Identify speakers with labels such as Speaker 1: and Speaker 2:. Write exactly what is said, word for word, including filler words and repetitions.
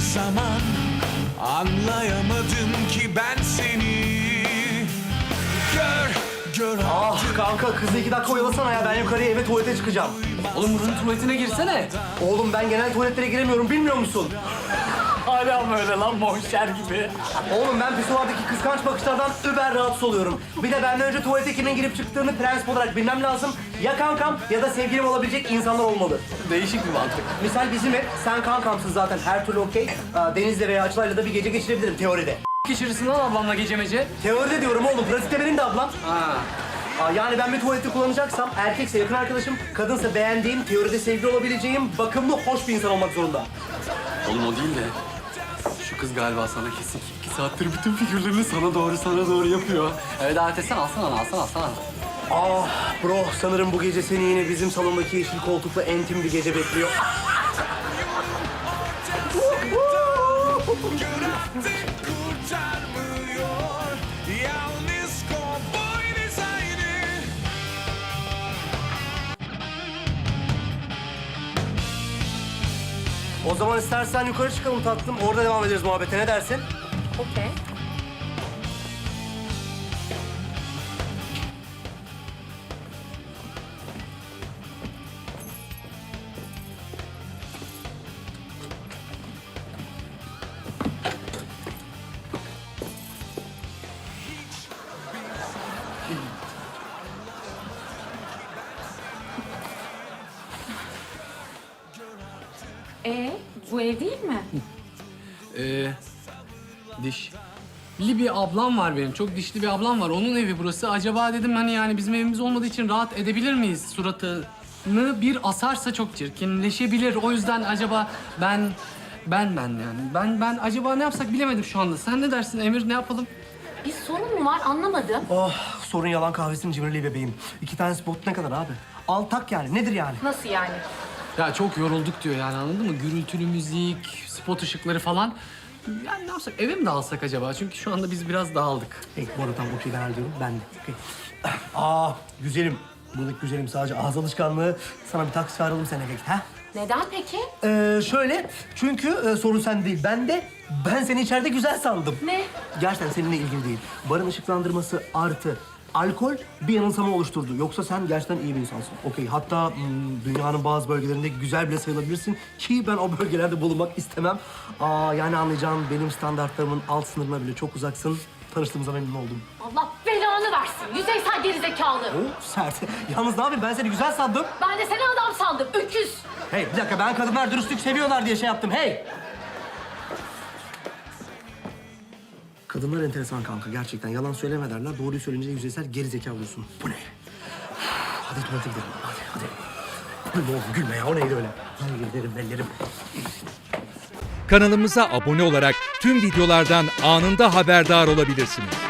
Speaker 1: zaman anlayamadım ki ben seni. Gör, gör
Speaker 2: Ah
Speaker 1: artık.
Speaker 2: kanka kızı iki dakika oyalasana ya, ben yukarıya eve tuvalete çıkacağım.
Speaker 3: Oğlum buranın tuvaletine girsene.
Speaker 2: Oğlum ben genel tuvaletlere giremiyorum, bilmiyor musun?
Speaker 3: Hala böyle lan monşer gibi.
Speaker 2: Oğlum ben pisuvardaki kıskanç bakışlardan über rahatsız oluyorum. Bir de benden önce tuvalete kimin girip çıktığını prensip olarak bilmem lazım. Ya kankam ya da sevgilim olabilecek insanlar olmalı.
Speaker 3: Değişik bir mantık.
Speaker 2: Misal bizim ev, sen kankamsın zaten, her türlü okey. Aa, Deniz'le veya Açılay'la da bir gece geçirebilirim teoride.
Speaker 3: Geçirirsin lan ablamla gece mece.
Speaker 2: Teoride diyorum oğlum, pratikte benim de ablam.
Speaker 3: Ha.
Speaker 2: Aa, yani ben bir tuvaleti kullanacaksam erkekse yakın arkadaşım, kadınsa beğendiğim, teoride sevgili olabileceğim, bakımlı, hoş bir insan olmak zorunda.
Speaker 3: Oğlum o değil de şu kız galiba sana kesin iki saattir bütün figürlerini sana doğru sana doğru yapıyor. Evet davet etsene, alsana onu, alsana alsana.
Speaker 2: Ah bro, sanırım bu gece seni yine bizim salondaki yeşil koltukla entim bir gece bekliyor.
Speaker 1: Kurtarmıyor. Yalnız kovboy dizaynı.
Speaker 2: O zaman istersen yukarı çıkalım tatlım, orada devam ederiz muhabbete, ne dersin?
Speaker 4: Okey. Ee, bu ev değil mi?
Speaker 3: Ee, diş. Bir ablam var benim. Çok dişli bir ablam var. Onun evi burası. Acaba dedim hani yani bizim evimiz olmadığı için rahat edebilir miyiz? Suratını bir asarsa çok çirkinleşebilir. O yüzden acaba ben ben ben yani ben ben acaba ne yapsak bilemedim şu anda. Sen ne dersin Emir? Ne yapalım?
Speaker 4: Bir sorun mu var anlamadım.
Speaker 2: Oh, sorun yalan kahvesinin cimriliği bebeğim. İki tane spot ne kadar abi? Al tak yani, nedir yani?
Speaker 4: Nasıl yani?
Speaker 3: Ya çok yorulduk diyor yani anladın mı? Gürültülü müzik, spot ışıkları falan. Yani ne yapsak? Eve mi dağılsak acaba? Çünkü şu anda biz biraz dağıldık.
Speaker 2: Hey, bu arada tam okey, ben hallediyorum, ben de. Okay. Aa, güzelim. Buradaki güzelim sadece ağız alışkanlığı. Sana bir taksi çağıralım, sen eve git, ha?
Speaker 4: Neden peki?
Speaker 2: Ee, şöyle, çünkü e, sorun sen değil, ben de ben seni içeride güzel sandım.
Speaker 4: Ne?
Speaker 2: Gerçekten seninle ilgili değil. Barın ışıklandırması artı alkol bir yanılsama oluşturdu. Yoksa sen gerçekten iyi bir insansın. Okey, hatta hmm, dünyanın bazı bölgelerinde güzel bile sayılabilirsin ki ben o bölgelerde bulunmak istemem. Aa, yani anlayacağın benim standartlarımın alt sınırına bile çok uzaksın. Tanıştığımıza memnun oldum.
Speaker 4: Allah belanı versin. Yüzeysel gerizekalı.
Speaker 2: Oo, sert. Yalnız ne yapayım, ben seni güzel sandım.
Speaker 4: Ben de seni adam sandım. Öküz.
Speaker 2: Hey, bir dakika, ben kadınlar dürüstlük seviyorlar diye şey yaptım. Hey! Kadınlar enteresan kanka, gerçekten. Yalan söyleme derler. Doğruyu söyleyince yüzeysel gerizekalı oluyorsun. Bu ne? Hadi tuvalete gidelim. Hadi, hadi. Gülme oğlum, gülme ya. O neydi öyle? Ay, ellerim, ellerim.
Speaker 5: Kanalımıza abone olarak tüm videolardan anında haberdar olabilirsiniz.